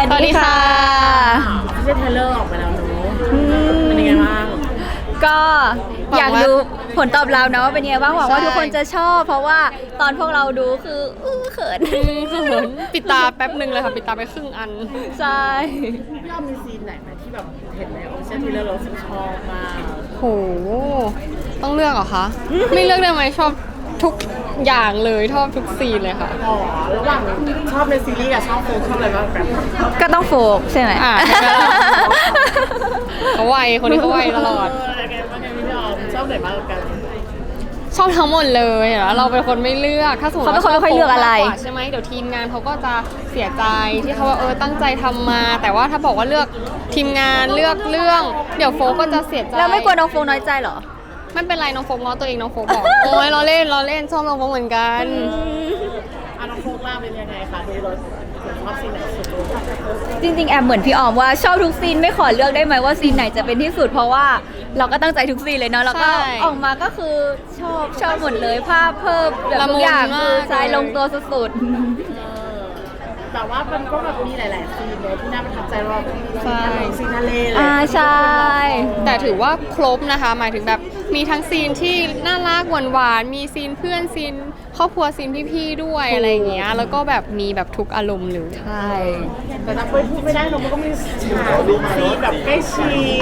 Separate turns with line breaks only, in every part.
สดีค่ะ
ไม่ใช่เทเลอร์ออกไปแล้วเนอะเป็นยังไงบ้าง
ก็อยากดูผลตอบรับนะว่าเป็นยังไงบ้างหวังว่าทุกคนจะชอบ เพราะว่าตอนพวกเราดูคือเขิน
ปิดตาแป๊บหนึ่งเลยค่ะปิดตาไปครึ่งอัน
ใช่
พี่อ้อมมีซีนไหนไหมที่แบบเห็นในออฟฟิเชียลเทเลอร์เราชอบมาก
โหต้องเลือกเหรอคะ ไม่เลือกได้ไหมชอบทุกอย่างเลยชอบทุกซีนเลยค่ะ
อ๋อระหว่างชอบในซีรีส์กับชอบโฟกชอบอะไรบ้างกัน
ก็ต้องโฟกใช่ไหม
เขาไวคนนี้เขาไวตลอด
อะไรกันบ้างกันพี่อ้อมชอบไหนบ้างกัน
ชอบทั้งหมดเลยแล้วเราเป็นคนไม่เลือกถ้าสมมติว่า
เขาไม่ค่อยเลือกอะไร
ใช่ไหมเดี๋ยวทีมงานเขาก็จะเสียใจที่เขาว่าตั้งใจทำมาแต่ว่าถ้าบอกว่าเลือกทีมงานเลือกเรื่องเดี๋ยวโฟก็จะเสียใจ
แล้วไม่กลัวน้องโฟน้อยใจเหรอ
ไม่เป็นไรน้องโฟง้อตัวเองน้องโฟบอกโอ้ยเราเล่นชอบน้องโฟเหมือนกัน
น้องโฟกล่าเป็นยังไงคะดูรถชอบซีนไหนสุด
จริงๆแอบเหมือนพี่ออมว่าชอบทุกซีนไม่ขอเลือกได้ไหมว่าซีนไหนจะเป็นที่สุดเพราะว่าเราก็ตั้งใจทุกซีนเลยเนาะแล้วก็ออกมาก็คือชอบหมดเลยภาพเพิ่มแบบทุกอย่างคือใช้ลงตัวสุด
ๆแต่ว่ามันก็แบบมีหลายๆซีนเลยที่น่าประทับใจว่าซีนทะเลเลย
ใช่
แต่ถือว่าครบนะคะหมายถึงแบบมีทั้งซีนที่น่ารักหวานๆมีซีนเพื่อนซีนครอบครัวซีนพี่ๆด้วยอะไรอย่างเงี้ยแล้วก็แบบมีแบบทุกอารมณ์เลย
ใช่
แต่ถ้าพูดไม่ได้เราก็มีซีนแบบใกล้ชิด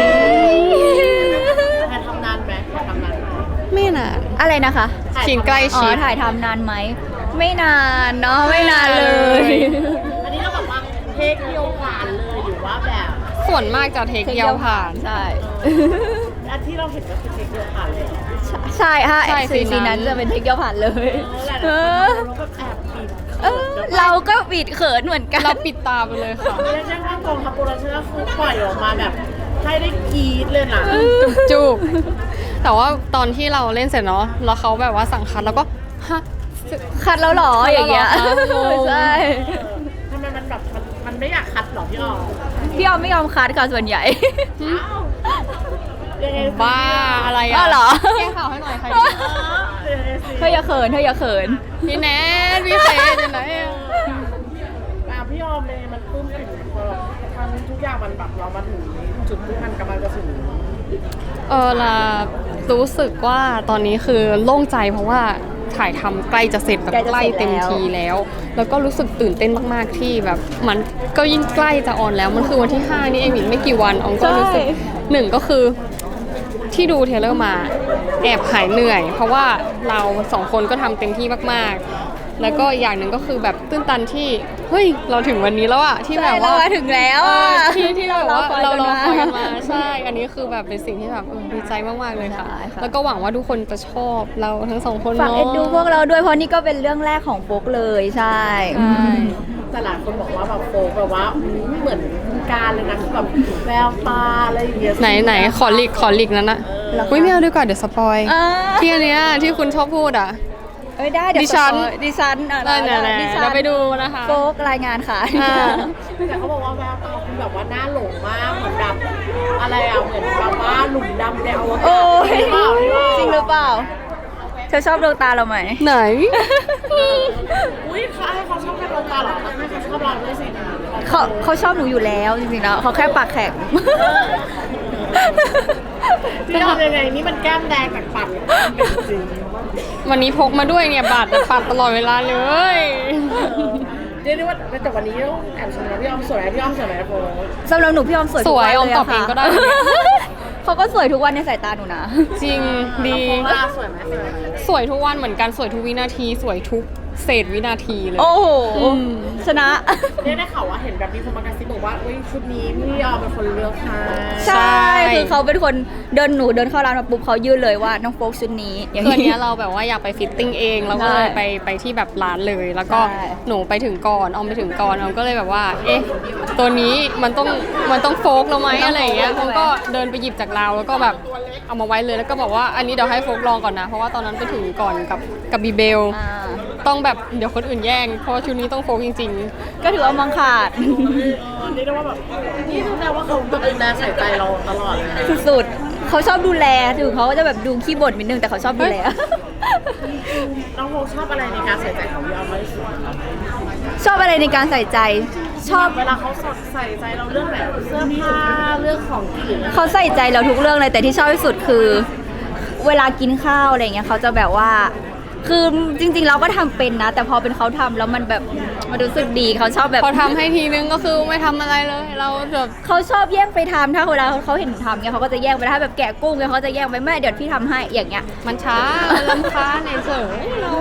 ถ่ายทำนานไหม
ไม่นาน
อะไรนะคะ
ซีนใกล้ชิด
ถ่ายทำนานไหมไม่นานเนาะไม่นานเลย
อันนี้เราแบบว่าเทคเดียวผ่านเลยหรือว่าแบบ
ส่วนมากจะเทคเดียวผ่าน
ใช่
อันที่เราเห็นก็คือเทคเดียวผ่านเลย
ใช่ค่ะซีนนั้นจะเป็นเทคเดียวผ่านเลยเราก็ปิดเขินเหมือนกัน
เราปิดตาไปเลยค่ะ
เรียกได้ว่ากองทัพโปรดักชั่นคือปล่อยออกมาแบบให้ได้กรี๊ดเลยนะ
จุกแต่ว่าตอนที่เราเล่นเสร็จเนาะแล้วเขาแบบว่าสั่งคัดแล้วก็ฮะ
คัดแล้วหรออย่างเงี้ยใช่
ทำไมมันแบบมันไม่อยากคัดหรอพี่ออม
ไม่ยอมคัดค่ะส่วนใหญ่
บ้าอะไรอ่ะ
เหรอ
แก้ข่าวให้หน่อยใคร
เธออย่าเขิน
พี่แนทพี่เฟย์จะไหน
พี่ออมเลยมันปลื้มปิ่มพอทำทุกอย่างมันแบบเรามาถึงจุดที่มันกำลังจะถึง
ล่ะรู้สึกว่าตอนนี้คือโล่งใจเพราะว่าถ่ายทำใกล้จะเสร็จแบบใกล้เต็มทีแล้วแล้วก็รู้สึกตื่นเต้นมากๆที่แบบมันก็ยิ่งใกล้จะออนแล้วมันคือวันที่5นี่เองไม่กี่วันออมก็รู้สึกหนึ่งก็คือที่ดูเทเลอร์มาแอบหายเหนื่อยเพราะว่าเรา2คนก็ทำเต็มที่มากๆแล้วก็อย่างหนึ่งก็คือแบบตื้นตันที่เฮ้ยเราถึงวันนี้แล้วอะที่แบบว่า
ถึงแล้ว
ที่เราว่าเรารอคอยกันมาใช่อันนี้คือแบบเป็นสิ่งที่แบบดีใจมากๆเลยค่ะแล้วก็หวังว่าทุกคนจะชอบเราทั้ง2คน
ฝากเอ็นดูพวกเราด้วยเพราะนี่ก็เป็นเรื่องแรกของโฟกเลยใช่
แต่หลายคนบอกว่าแบบโฟกแบบว่าเหมือนการเลยนะแบบแววตาอะไรอย่างเงี้ย
ไหนขอหลีกนั้นนะไม่เอาดีกว่าเดี๋ยวสปอยที่อันเนี้ยที่คุณชอบพูดอ่ะ
ได้เดี๋ยวดิฉัน
เราไปดูนะคะ
โฟกรายงานค่ะ
แต่เขาบอกว่าแววตาคุณแบบว่าน่าหลงมากเหมือนแบบอะไรอ่ะเหมือนแบบว่าหลุมดำในอวกาศ
จริงหรือเปล่าเธอชอบดวงตาเราไหม
ไหน
อุ้ยเขาชอบแค่ดวงตาหรอไม่เขาชอบเราด้วยสิ
เขาชอบหนูอยู่แล้วจริงๆแล้วเขาแค่ปากแข็ง
พี่ทำยังไงนี่มันแก้มแดงจากปัดจริง
วันนี้พกมาด้วยเนี่ยปัดตลอดเวลาเลย
เรียกได้ว่าแต่วันนี้ต้องแอบชมนะพี่ออมสวยพี่ออมสวยไหมโฟ
สำหรับหนูพี่ออมสวย
ออมตอบเองก็ได้
เขาก็สวยทุกวันในสายตาหนูนะ
จริงดี
สวยไหม
สวยทุกวันเหมือนกันสวยทุกวินาทีสวยทุกเศษวินาทีเลย
โอ้โหชนะ
ได้ข่าวว่าเห็นแบบมีคนมากระซิบบอกว่าชุดนี้พี่ออมเป็นคนเลือกค่ะ
ใช่คือเขาเป็นคนเดินเข้าร้านมาปุ๊บเขายื่นเลยว่าน้องโฟกชุดนี้
คืออันนี้เราแบบว่าอยากไปฟิตติ้งเองแล้วก็เลยไปที่แบบร้านเลยแล้วก็หนูไปถึงก่อนออมไปถึงก่อนออมก็เลยแบบว่าตัวนี้มันต้องโฟกเราไหมอะไรอย่างเงี้ยเขาก็เดินไปหยิบจากเราแล้วก็แบบเอามาไว้เลยแล้วก็บอกว่าอันนี้เดี๋ยวให้โฟกลองก่อนนะเพราะว่าตอนนั้นไปถึงก่อนกับบีเบลต้องแบบเดี๋ยวคนอื่นแย่งเพราะชุดนี้ต้องโฟกจริง
ๆก็ถือว่ามองขาด
นี่ได้ว่าแบบนี่แสดงว่าเขาดูแลใส่ใจเราตลอดเลย
สุดๆเขาชอบดูแลถึงเขาจะแบบดูขี้บ่นนิดนึงแต่เขาชอบดูแล
น้องโฟกชอบอะไรในการใส่ใจของพี่ออมมากที่สุด
ชอบอะไรในการใส่ใจชอบ
เวลาเขาสดใส่ใจเราเรื่องไหนเสื้อผ้าเรื่องของกิน
เขาใส่ใจเราทุกเรื่องเลยแต่ที่ชอบที่สุดคือ เวลากินข้าวอะไรเงี้ยเขาจะแบบว่า คือจริงๆเราก็ทำเป็นนะ แต่พอเป็นเขาทำแล้วมันแบบมันรู้สึกดีเขาชอบแบบ
พอทำให้ทีนึงก็คือไม่ทำอะไรเลย เราแบบ
เขาชอบแย่งไปทำถ้าเวลาเขาเห็นหนูทำเนี่ยเขาก็จะแย่งไปถ้าแบบแกะกุ้งเนี่ยเขาจะแย่งไปแม่เดี๋ยวพี่ทำให้อย่างเงี้ย
มันช้าลำคาญเฉยๆเรา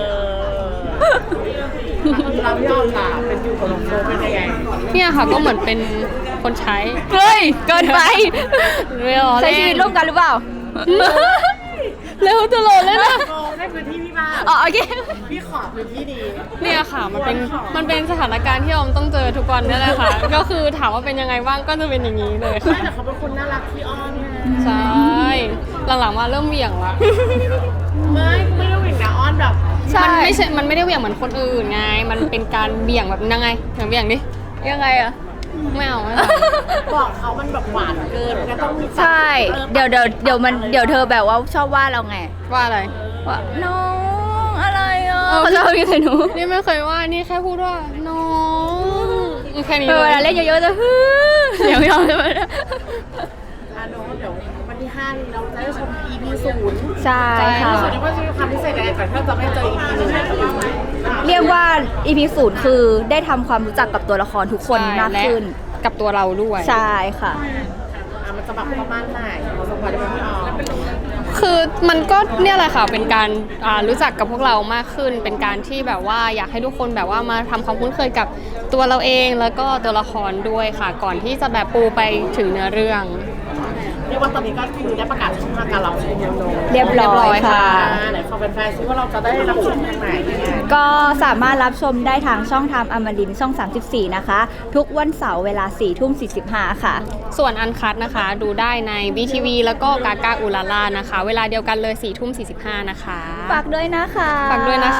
เราพี่ออมล่ะเป็นอยู่กับน้องโฟเป็นยังไง
เนี่ยค่ะก็เหมือนเป็นคนใช้
เฮ้ยเกินไป
เร็ว
ใช้ชีวิตร่วมกันหรือเปล่า
เร็วตลอดเลยนะ
โฟได้พื้นที่พี่บ้าง
อ๋อโอเค
พี่ขอพื้นที่ดี
เนี่ยค่ะมันเป็นสถานการณ์ที่ออมต้องเจอทุกวันนี่แหละค่ะ ก็คือถามว่าเป็นยังไงบ้างก็จะเป็นอย่างนี้เลย
ไม่
ค่ะ
แต่เขาเป็นคนน่ารักพี่อ้อนไง
ใช่หลังๆมาเริ่มเหวี่ยงละ
ไม่ได้หวิ่งนะอ้อนแบบ
ใช่
มันไม่ได้เหวี่ยงเหมือนคนอื่นไง มันเป็นการเบี่ยงแบบยังไงเหวี่ยงดิ
ยังไงอะ
ไม่เอาไม่เอา
บอกเขามันแบบหวานเกินมันก็ต้องมี
ใช่ เดี๋ยวเธอแบบว่าชอบว่าเราไง
ว่าอะไร
ว่าน้องอะไรอ่ะ
เออ
เขาจะเอาอย่างไรหนู
นี่ไม่เคยว่านี่แค่พูดว่าน้องแค่นี้
เวลาเล่นเยอะๆจะฮึเสียงไม่ออกใช่ไหม
อ่ะน้องเดี๋ยววันที่5นี้เราจะได้ชม EP 0
ใช่ค่ะ
ส่วนนี้ว่าจะมีความพิเศษยังไงก่อนถ้าจะไม่เจอ EP 1
เรียกว่า EP 0คือได้ทำความรู้จักกับตัวละครทุกคนมากขึ้น
และกับตัวเราด้วย
ใช่ค่ะ
มันจะแบบประมาณไหนเราสมควรได้ไหมพี่ออม
คือมันก็เนี่ยแหละค่ะเป็นการรู้จักกับพวกเรามากขึ้น เป็นการที่แบบว่าอยากให้ทุกคนแบบว่ามาทำความคุ้นเคยกับตัวเราเองแล้วก็ตัวละครด้วยค่ะ ก่อนที่จะแบบปูไปถึงเนื้อเรื่อง
เรียกว่าตอนนี้ก็คือได้ประกาศช่องทางการรับชมแล้วเนอะ
เรียบร้อยค่ะ
ไหนขอเป็นแฟนซิว่าเราจะได้รับชมทางไหนยังไง
ก็สามารถรับชมได้ทางช่องทางอมรินทร์ช่อง 34 นะคะ ทุกวันเสาร์เวลา 4:45 ค่ะ
ส่วนอันคัดนะคะ ดูได้ใน BTV แล้วก็กากาอุลาล่านะคะ เวลาเดียวกันเลย 4:45 นะคะ
ฝากด้วยนะคะ
ฝากด้วยนะคะ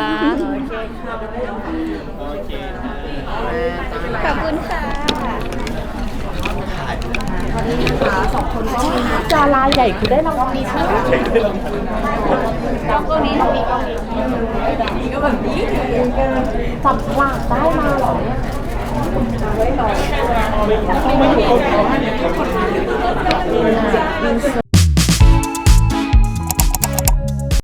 ขอบคุณค่ะ
ดาราใหญ่คือได้รางวัลนี้ใช่ไหม
ตรงนี้
จับฉลากได้มาเหรอเนี่ย